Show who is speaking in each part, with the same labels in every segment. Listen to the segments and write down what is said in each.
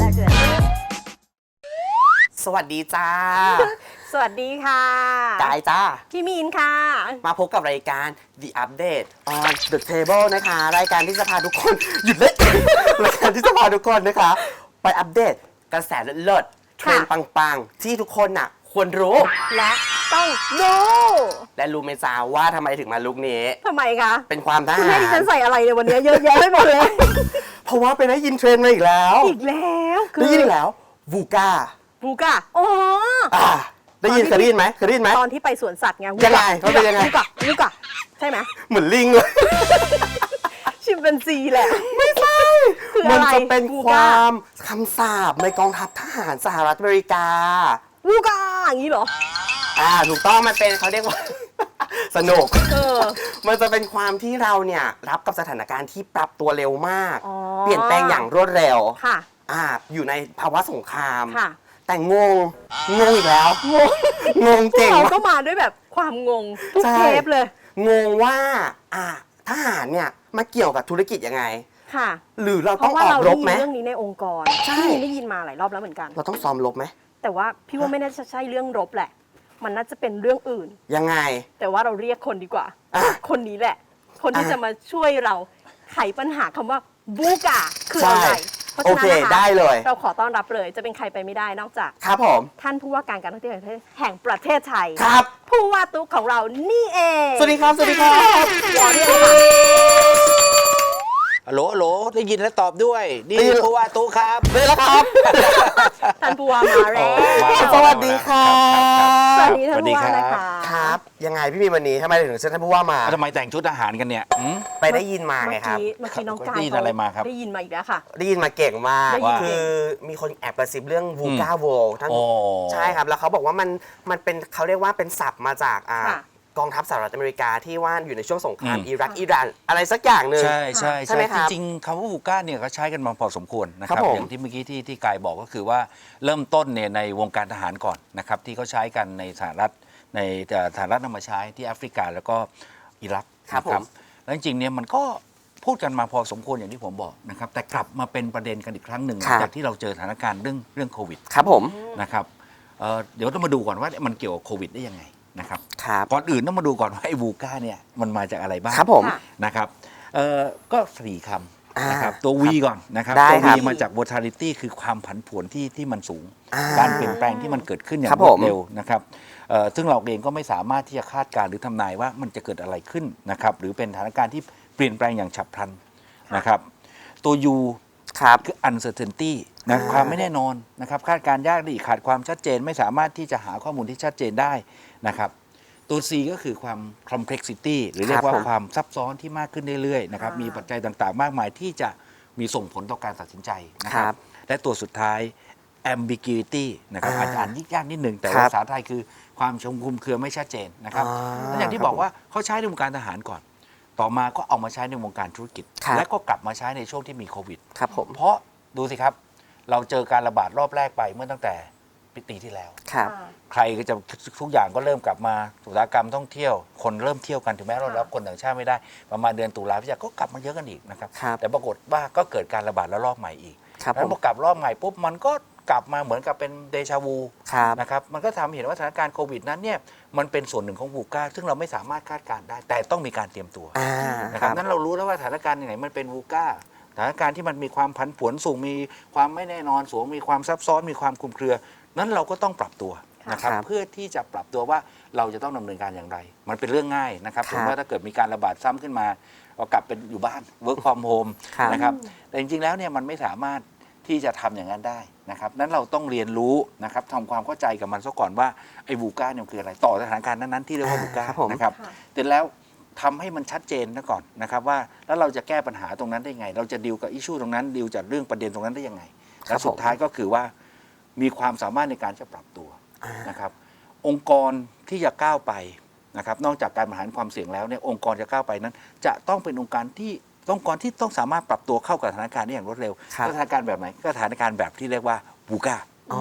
Speaker 1: เกิด
Speaker 2: สวัสดีจ้า
Speaker 1: สวัสดีค่ะ
Speaker 2: กายจ้า
Speaker 1: พี่มีนค่ะ
Speaker 2: มาพบกับรายการ The Update on the Table นะคะ รายการที่จะพาทุกคน หยุดเล่น รายการที่จะพาทุกคนนะคะ ไปอัปเดตกระแสเลิศๆเทรนด์ปังๆ ที่ทุกคนน่ะควรรู้
Speaker 1: และต้องดู
Speaker 2: และรู้ไหมจ้าว่าทำไมถึงมาลุคนี้
Speaker 1: ทำไมคะ
Speaker 2: เป็นความท
Speaker 1: คุณ
Speaker 2: หา
Speaker 1: ให้ดิฉั
Speaker 2: ร
Speaker 1: นใส่อะไรในวันนี้เยอะแยะไปหมดเลย
Speaker 2: เพราะว่าไปได้ยินเทรนด์มาอีกแล้ว
Speaker 1: อีกแล้วคื
Speaker 2: ได้ยินอีกแล้ววูก้า
Speaker 1: บูกะอ๋อ
Speaker 2: ได้ยินเคยได้ยินไหมเคยได้ยินไหม
Speaker 1: ตอนที่ไปสวนสัตว์ไง
Speaker 2: ยังไงเขาเป็นยังไง
Speaker 1: บูกะใช่ไหม
Speaker 2: เหมือนลิงเลย
Speaker 1: ชิมเป็นซีแหละ
Speaker 2: ไม่ใช่
Speaker 1: คือ
Speaker 2: มั
Speaker 1: อะไร
Speaker 2: จะเป็น
Speaker 1: บู
Speaker 2: ค
Speaker 1: ก้า
Speaker 2: วามคำสาปในกองทัพทหารสหรัฐอเมริกา
Speaker 1: บูกะอย่างนี้เหรอ
Speaker 2: ถูกต้องมันเป็นเขาเรียกว่า สนุก
Speaker 1: อ
Speaker 2: มันจะเป็นความที่เราเนี่ยรับกับสถานการณ์ที่ปรับตัวเร็วมาก
Speaker 1: อ๋อ
Speaker 2: เปลี่ยนแปลงอย่างรวดเร็ว
Speaker 1: ค่ะ
Speaker 2: อยู่ในภาวะสงคราม
Speaker 1: ค่ะ
Speaker 2: แต่งอีกแล้ว
Speaker 1: งง
Speaker 2: งงเก่ง
Speaker 1: เรา
Speaker 2: มาก
Speaker 1: ก็มาด้วยแบบความงงทุก
Speaker 2: ใช่
Speaker 1: เทปเลย
Speaker 2: งงว่าทหารเนี่ยมาเกี่ยวกับธุรกิจยังไง
Speaker 1: ค่ะ
Speaker 2: หรือเรา
Speaker 1: เพ
Speaker 2: ต้อง
Speaker 1: ราะว่า
Speaker 2: ออ
Speaker 1: เรา
Speaker 2: กร
Speaker 1: ได้
Speaker 2: บ
Speaker 1: ยิน
Speaker 2: ไหม
Speaker 1: เรื่องนี้ในองค์กร
Speaker 2: ใช่
Speaker 1: พี่มีนได้ยินมาหลายรอบแล้วเหมือนกัน
Speaker 2: เราต้องซ้อมรบไหม
Speaker 1: แต่ว่าพี่ว่าไม่น่าจะใช่เรื่องรบแหละ มันน่าจะเป็นเรื่องอื่น
Speaker 2: ยังไง
Speaker 1: แต่ว่าเราเรียกคนดีกว่า
Speaker 2: อ่ะ
Speaker 1: คนนี้แหละ คนที่
Speaker 2: อ่ะ
Speaker 1: จะมาช่วยเราไขปัญหาคำว่าบูกาคืออะไร เพราะฉะนั้น
Speaker 2: โอเค
Speaker 1: นะคะ
Speaker 2: ได้เลย
Speaker 1: เราขอต้อนรับเลย จะเป็นใครไปไม่ได้นอกจาก
Speaker 2: ครับผม
Speaker 1: ท่านผู้ว่าการท่องเที่ยวแห่งประเทศไทย
Speaker 2: ครับ
Speaker 1: ผู้ว่าตุ๊กของเรานี่เอง
Speaker 2: สวัสดีครับ สวัสดีครับ
Speaker 1: รอเรียกเลยค่ะ
Speaker 3: ฮัลโหลได้ยินและตอบด้วย นี่
Speaker 2: ได้ยิน
Speaker 3: ผู้ว่าตู้ครับ
Speaker 2: เลยแล้วครับ
Speaker 1: ท่านผู้ว่ามาแล้ว
Speaker 3: มา
Speaker 2: สวัสดีครับ
Speaker 1: สวัสดีท่านผู้ว่า
Speaker 3: สวัสดี
Speaker 1: นะ
Speaker 3: ครั
Speaker 1: คะ
Speaker 3: บ
Speaker 2: ครับ ยังไงพี่มีวันนี้ทำไมถึงเชิญท่านผู้ว่ามา
Speaker 3: แล้วทำไมแต่งชุดทหารกันเนี่ยหืม
Speaker 2: ไปได้ยินมาไงครับ
Speaker 1: เมื่อกี้น้องกาย
Speaker 3: ได้ยินอะไรมาครับ
Speaker 1: ได้ยินมาอีกแล้วค่ะ
Speaker 2: ได้ยินมาเก่งมาก
Speaker 1: ได้ยิน
Speaker 2: คือมีคนแอบกระซิบเรื่องวูก้าโวท่าน
Speaker 3: โอ้
Speaker 2: ใช่ครับ แล้วเขาบอกว่ามันเป็นเขาเรียกว่าเป็นศัพท์มาจาก
Speaker 1: ค่ะ
Speaker 2: กองทัพสหรัฐอเมริกาที่ว่าอยู่ในช่วงสงคราม
Speaker 3: อืม
Speaker 2: อิรักอิหร่านอะไรสักอย่างหนึ่ง
Speaker 3: ใช่ใช่
Speaker 2: ใช่ไหมครับ
Speaker 3: จริงๆคำว่าบูก้าเนี่ยเขาใช้กันมาพอสมควรนะค
Speaker 2: ครั
Speaker 3: รับบ
Speaker 2: ผม
Speaker 3: อย่างที่เมื่อกี้ที่กายบอกก็คือว่าเริ่มต้นเนี่ยในวงการทหารก่อนนะครับที่เขาใช้กันในสหรัฐนำมาใช้ที่แอฟริกาแล้วก็อิรัก
Speaker 2: ครับ
Speaker 3: นะ
Speaker 2: ผม
Speaker 3: แล้วจริงๆเนี่ยมันก็พูดกันมาพอสมควรอย่างที่ผมบอกนะครับแต่กลับมาเป็นประเด็นกันอีกครั้งหนึ่งหลังจากที่เราเจอสถานการณ์เรื่องโควิด
Speaker 2: ครับผม
Speaker 3: นะครับเดี๋ยวต้องมาดูก่อนว่ามันเกี่ยวกับโควิดได้ยังไงนะครับ
Speaker 2: ครับ
Speaker 3: ก่อนอื่นต้องมาดูก่อนว่าไอ้วูก้าเนี่ยมันมาจากอะไรบ้าง
Speaker 2: ครับผม
Speaker 1: ค่ะ
Speaker 3: นะครับก็สี่คำนะครับ
Speaker 2: อ่า
Speaker 3: ตัว V ก่อนนะครับ
Speaker 2: ได้
Speaker 3: ตัว V
Speaker 2: ครับ
Speaker 3: มาจาก volatility คือความผันผวนที่มันสูง
Speaker 2: อ่า
Speaker 3: การเปลี่ยนแปลงที่มันเกิดขึ้นอย่า
Speaker 2: ครั
Speaker 3: ง
Speaker 2: บ
Speaker 3: รว
Speaker 2: ผ
Speaker 3: ด
Speaker 2: ม
Speaker 3: เร็วนะครับซึ่งเราเองก็ไม่สามารถที่จะคาดการณ์หรือทำนายว่ามันจะเกิดอะไรขึ้นนะครับหรือเป็นสถานการณ์ที่เปลี่ยนแปลงอย่างฉับพลันนะครับตัว U
Speaker 2: ครับ
Speaker 3: คือ uncertainty นะ
Speaker 2: อ่า
Speaker 3: ความไม่แน่นอนนะครับคาดการณ์ยากดีขาดความชัดเจนไม่สามารถที่จะหาข้อมูลที่ชัดเจนได้นะครับตัว C ก็คือความ complexity หรือเรียกว่า
Speaker 2: ครับผม
Speaker 3: ความซับซ้อนที่มากขึ้นเรื่อยๆนะครับ
Speaker 1: อ่ามี
Speaker 3: มีปัจจัยต่างๆ มากมายที่จะมีส่งผลต่อการตัดสินใจนะค
Speaker 2: ครั
Speaker 3: รับบ และตัวสุดท้าย ambiguity นะครับ
Speaker 2: อ่า
Speaker 3: อาจจะอ่านยากนิดหนึ่งแต่
Speaker 2: ครั
Speaker 3: ว่า
Speaker 2: บ
Speaker 3: ภาษาไทยคือความชงคุมเครือไม่ชัดเจนนะครับและอย่างที่บอกว่าเขาใช้ในวงการทหารก่อน ต่อมาก็เอามาใช้ในวงการธุรกิจ
Speaker 2: ครับ
Speaker 3: และก็กลับมาใช้ในช่วงที่มีโควิด
Speaker 2: ครับผม
Speaker 3: เพราะดูสิครับ เราเจอการระบาดรอบแรกไปเมื่อตั้งแต่ปีที่แล้ว
Speaker 2: ครับ
Speaker 3: ใครก็จะทุกอย่างก็เริ่มกลับมาอุตสาหกรรมท่องเที่ยว คนเริ่มเที่ยวกันถึงแม้เรารับคนต่างชาติไม่ได้ ประมาณเดือนตุลาพฤศจิกาก็กลับมาเยอะกันอีกนะครับ
Speaker 2: ครับ
Speaker 3: แต่ปรากฏว่าก็เกิดการระบาดระลอกใหม่อีก
Speaker 2: ครับ
Speaker 3: แล้ว
Speaker 2: ผม
Speaker 3: พอกลับรอบใหม่ปุ๊บมันก็กลับมาเหมือนกับเป็นเดชาวู
Speaker 2: ครับ
Speaker 3: นะครับมันก็ทำให้เห็นว่าสถานการณ์โควิดนั้นเนี่ยมันเป็นส่วนหนึ่งของวูก้าซึ่งเราไม่สามารถคาดการณ์ได้ แต่ต้องมีการเตรียมตัว นะ
Speaker 2: ค
Speaker 3: ครั
Speaker 2: รั
Speaker 3: บบ นั้นเรารู้แล้วว่าสถานการณ์ไหนมันเป็นวูก้าสถานการณ์ที่มันมีความผันผวนสูงมีความไม่แน่นอนสูงมีความซับซ้อนมีความคลุมเครือ นั้นเราก็ต้องปรับตัวนะครับ
Speaker 2: ครับ
Speaker 3: เพื่อที่จะปรับตัวว่าเราจะต้องดำเนินการอย่างไร มันเป็นเรื่องง่ายนะครับ
Speaker 2: ครับ
Speaker 3: ถึงว่าถ้าเกิดมีการระบาดซ้ำขึ้นมาเรากลับเป็นอยู่บ้าน work from home
Speaker 2: ครับ
Speaker 3: นะครับแต่จริงๆแล้วเนี่ยมันไม่สามารถที่จะทำอย่างนั้นได้นะครับนั้นเราต้องเรียนรู้นะครับทำความเข้าใจกับมันซะก่อนว่าไอ้วูก้าเนี่ยมันคืออะไรต่อสถานการณ์นั้นๆที่เรียกว่าวูก้า
Speaker 2: ครับผม
Speaker 3: นะครับ
Speaker 1: ค่ะ
Speaker 3: เสร็จแล้วทำให้มันชัดเจนนะก่อนนะครับว่าแล้วเราจะแก้ปัญหาตรงนั้นได้ไง เราจะดีลกับอิชชูตรงนั้นดีลจากเรื่องประเด็นตรงนั้นได้ยังไง
Speaker 2: ครั
Speaker 3: และ
Speaker 2: บ
Speaker 3: สุดท้ายก็คือว่ามีความสามารถในการจะปรับตัวนะครับ องค์กรที่จะก้าวไปนะครับนอกจากการบริหารความเสี่ยงแล้วเนี่ยองค์กรจะก้าวไปนั้น จะต้องเป็นองค์กรที่ต้องสามารถปรับตัวเข้ากับสถานการณ์ได้อย่างรวดเร็ว
Speaker 2: ครับ
Speaker 3: สถานการณ์แบบไหนก็สถานการณ์แบบที่เรียกว่าบูก้า
Speaker 2: อ๋อ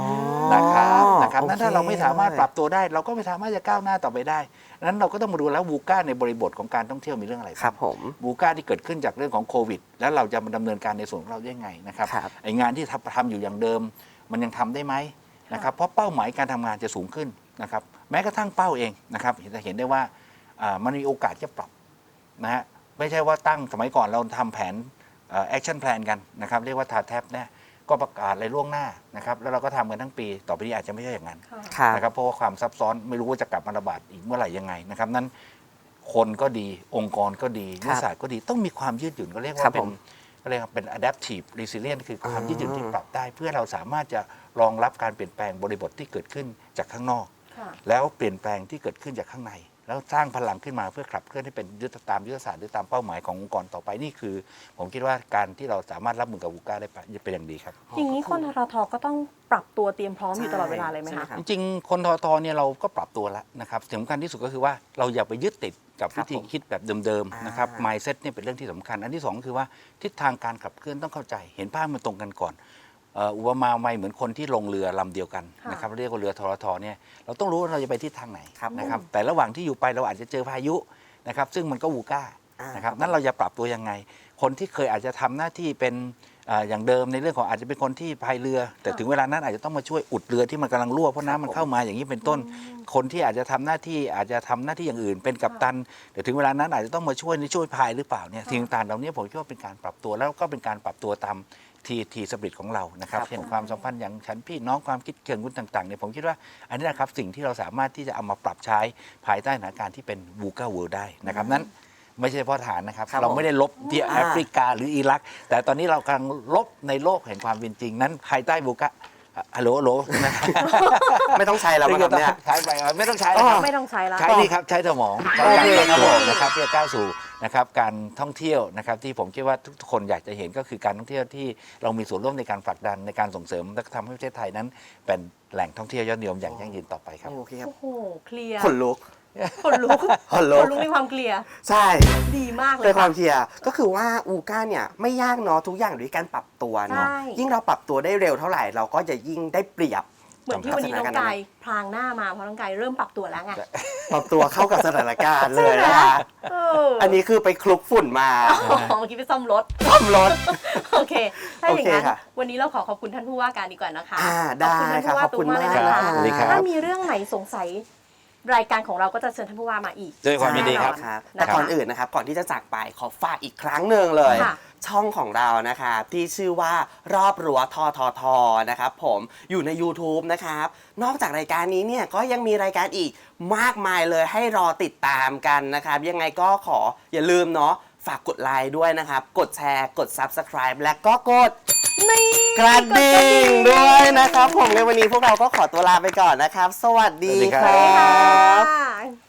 Speaker 3: นะครับนั้นถ้าเราไม่สามารถปรับ
Speaker 2: โอ
Speaker 3: ตัวได้เราก็ไม่สามารถจะก้าวหน้าต่อไปได้นั้นเราก็ต้องมาดูแล้ววูก้าในบริบทของการท่องเที่ยวมีเรื่องอะไร
Speaker 2: เคครับผม
Speaker 3: วูก้าที่เกิดขึ้นจากเรื่องของโควิดแล้วเราจะมาดำเนินการในส่วนของเราได้ยังไงนะครับ
Speaker 2: ครับ
Speaker 3: ไองานที่ทำอยู่อย่างเดิมมันยังทำได้ไหมนะครับเพราะเป้าหมายการทำงานจะสูงขึ้นนะครับแม้กระทั่งเป้าเองนะครับจะเห็นได้ว่ามันมีโอกาสจะปรับนะฮะไม่ใช่ว่าตั้งสมัยก่อนเราทำแผนแอคชั่นแพลนกันนะครับเรียกว่าทาแท็บเนี่ยก็ประกาศอะไรล่วงหน้านะครับแล้วเราก็ทำกันทั้งปีต่อไปนี้อาจจะไม่ใช่อย่างนั้น
Speaker 1: ค่ะ
Speaker 2: ครับ
Speaker 3: นะครับเพราะว่าความซับซ้อนไม่รู้ว่าจะกลับมาระบาดอีกเมื่อไหร่ยังไงนะครับนั้นคนก็ดีองค์กรก็ดี
Speaker 2: ครับ
Speaker 3: วิทยาศาสตร์ก็ดีต้องมีความยืดหยุ่นก็เรียก
Speaker 2: ครั
Speaker 3: ว่า
Speaker 2: บ
Speaker 3: เป็
Speaker 2: ผ
Speaker 3: น
Speaker 2: ม
Speaker 3: ก็เรียกว่าเป็น adaptive resilience คือความยืดหยุ่นที่ปรับได้ เพื่อเราสามารถจะรองรับการเปลี่ยนแปลงบริบทที่เกิดขึ้นจากข้างนอก
Speaker 1: ค่ะ
Speaker 3: แล้วเปลี่ยนแปลงที่เกิดขึ้นจากข้างใน แล้วสร้างพลังขึ้นมาเพื่อขับเคลื่อนให้เป็นตามยุทธศาสตร์หรือตามเป้าหมายขององค์กรต่อไปนี่คือ ผมคิดว่าการที่เราสามารถรับมือกับวูก้าได้เป็นอย่างดีครับ
Speaker 1: อย่างนี้คนททก็ต้องปรับตัวเตรียมพร้อมอยู่ตลอดเวลาเลยไหม
Speaker 2: ใช่ไหม
Speaker 1: คะ
Speaker 2: ครับ
Speaker 3: จริงๆ คนททเนี่ยเราก็ปรับตัวแล้วนะครับสำคัญที่สุดก็คือว่าเราอย่าไปยึดติดกับ
Speaker 2: ครั
Speaker 3: วิ
Speaker 2: บ
Speaker 3: ธี
Speaker 2: ผม
Speaker 3: คิดแบบเดิมๆนะครับ
Speaker 2: อ่า
Speaker 3: mindset เนี่ยเป็นเรื่องที่สำคัญ อันที่สองคือว่าทิศทางการขับเคลื่อนต้องเข้าใจเห็นภาพมันตรงกันก่อนอุปมาไม่เหมือนคนที่ลงเรือลำเดียวกัน
Speaker 1: ค่ะ
Speaker 3: นะครับเรียกว่าเรือทรทเนี่ยเราต้องรู้ว่าเราจะไปทิศทางไหน
Speaker 2: ครับ
Speaker 3: นะครับแต่ระหว่างที่อยู่ไปเราอาจจะเจอพายุนะครับซึ่งมันก็วูก้า
Speaker 2: อ่าน
Speaker 3: นะครับ
Speaker 2: ครับ
Speaker 3: นั้นเราจะปรับตัวยังไง คนที่เคยอาจจะทำหน้าที่เป็นอย่างเดิมในเรื่องของอาจจะเป็นคนที่พายเรือ แต่ถึงเวลานั้นอาจจะต้องมาช่วยอุดเรือที่มันกำลังรั่วเพราะน้ำมันเข้ามาอย่างนี้เป็นต้น คนที่อาจจะทำหน้าที่อย่างอื่น เป็นกัปตันแต่ถึงเวลานั้นอาจจะต้องมาช่วยพายหรือเปล่าเนี่ยสิ่งต่างๆเหล่านี้ผมคิดว่าเป็นการปรับตัวแล้วก็เป็นการปรับตัวตามทีสปิริตของเรานะครับ
Speaker 2: ครับ
Speaker 3: เช่นความสัมพันธ์อย่างฉันพี่น้องความคิดเชิงรุ่นต่างๆเนี่ยผมคิดว่าอันนี้นะครับสิ่งที่เราสามารถที่จะเอามาปรับใช้ภายใต้สถานการณ์ที่เป็นวูก้าเวิลด์ได้นะครับนั้นไม่ใช่เฉพาะฐานนะครับ
Speaker 2: ครับ
Speaker 3: เราไม่ได้ลบที่
Speaker 2: อ่า
Speaker 3: แอฟริกาหรืออิรัก แต่ตอนนี้เรากำลังลบในโลกแห่งความเป็นจริงนั้นภายใต้วูก้าฮัลโหลนะครับ
Speaker 2: ไม่ต้องใช้แล้วมั้งครับเนี่ย
Speaker 3: ใช้ไปไม่ต้องใช้แล้วครับ
Speaker 1: ไม่ต้องใช้แล้ว
Speaker 3: ใช้นี่ครับใช้สมอง
Speaker 2: โอเค
Speaker 3: ใช้
Speaker 2: ครับผม
Speaker 3: นะครับเพื่อก้าวสู่นะครับการท่องเที่ยวนะครับที่ผมคิดว่าทุกคนอยากจะเห็นก็คือการท่องเที่ยวที่เรามีส่วนร่วมในการผลักดันในการส่งเสริมและทำให้ประเทศไทยนั้นเป็นแหล่งท่องเที่ยวยอดนิยมอย่างยั่งยืนต่อไปครับ
Speaker 2: โอเคครับ
Speaker 1: โอ้โห เคลียร์
Speaker 2: ขนลุก
Speaker 1: ขนลุก
Speaker 2: ขนลุก
Speaker 1: ขนลุกในความเคลียร์
Speaker 2: ใช่
Speaker 1: ดีมากเล
Speaker 2: เป็
Speaker 1: ย
Speaker 2: นควา
Speaker 1: ค่ะ
Speaker 2: มเคลียร์ก็คือว่าอูก้าเนี่ยไม่ยากเนาะทุกอย่างอยู่ที่การปรับตัวเนาะ
Speaker 1: ใช่
Speaker 2: ยิ่งเราปรับตัวได้เร็วเท่าไหร่เราก็จะยิ่งได้เปรียบ
Speaker 1: เหมือนที่วันนี้น้องกายพลางหน้ามาเพราะน้องกายเริ่มปรับตัวแล้วไง
Speaker 2: ปรับตัวเข้ากับสถานการณ์เลยนะคะ
Speaker 1: เอ
Speaker 2: อันนี้คือไปคลุกฝุ่นมา
Speaker 1: อ๋อเมื่อกี้ไปซ่อมรถ
Speaker 2: ซ่อมรถ
Speaker 1: โอเค ถ้าอย่างนั้น
Speaker 2: โอเคค่ะ
Speaker 1: วันนี้เราขอบคุณท่านผู้ว่าการดีกว่านะคะ
Speaker 2: ได้
Speaker 1: ขอบคุณท่านผู้ว่า
Speaker 2: ค่ะ
Speaker 1: ตุ๊กมากเลย
Speaker 2: ขอบคุณมาก
Speaker 1: นะคะ
Speaker 3: สวัสดีครับ
Speaker 1: ถ้ามีเรื่องไหนสงสัยรายการของเราก็จะเชิญท่านผู้ว่ามาอีก
Speaker 3: ด้วยความยินดีครับ
Speaker 2: ครับ
Speaker 1: แน่นอน
Speaker 2: แต่ก่อนอื่นนะครับก่อนที่จะจากไปขอฝากอีกครั้งหนึ่งเลย
Speaker 1: ค่ะ
Speaker 2: ช่องของเรานะครับที่ชื่อว่ารอบรั้วทททนะครับผมอยู่ใน YouTube นะครับนอกจากรายการนี้เนี่ยก็ยังมีรายการอีกมากมายเลยให้รอติดตามกันนะครับยังไงก็ขออย่าลืมเนาะฝากกดไลค์ด้วยนะครับกดแชร์กด Subscribe และก็กด
Speaker 1: นี่
Speaker 2: กระดิ่งด้วยนะครับผมในวันนี้พวกเราก็ขอตัวลาไปก่อนนะครับ สวัสดี
Speaker 3: สวัสดี
Speaker 2: ค
Speaker 3: ครั
Speaker 2: รับ
Speaker 1: ค่ะ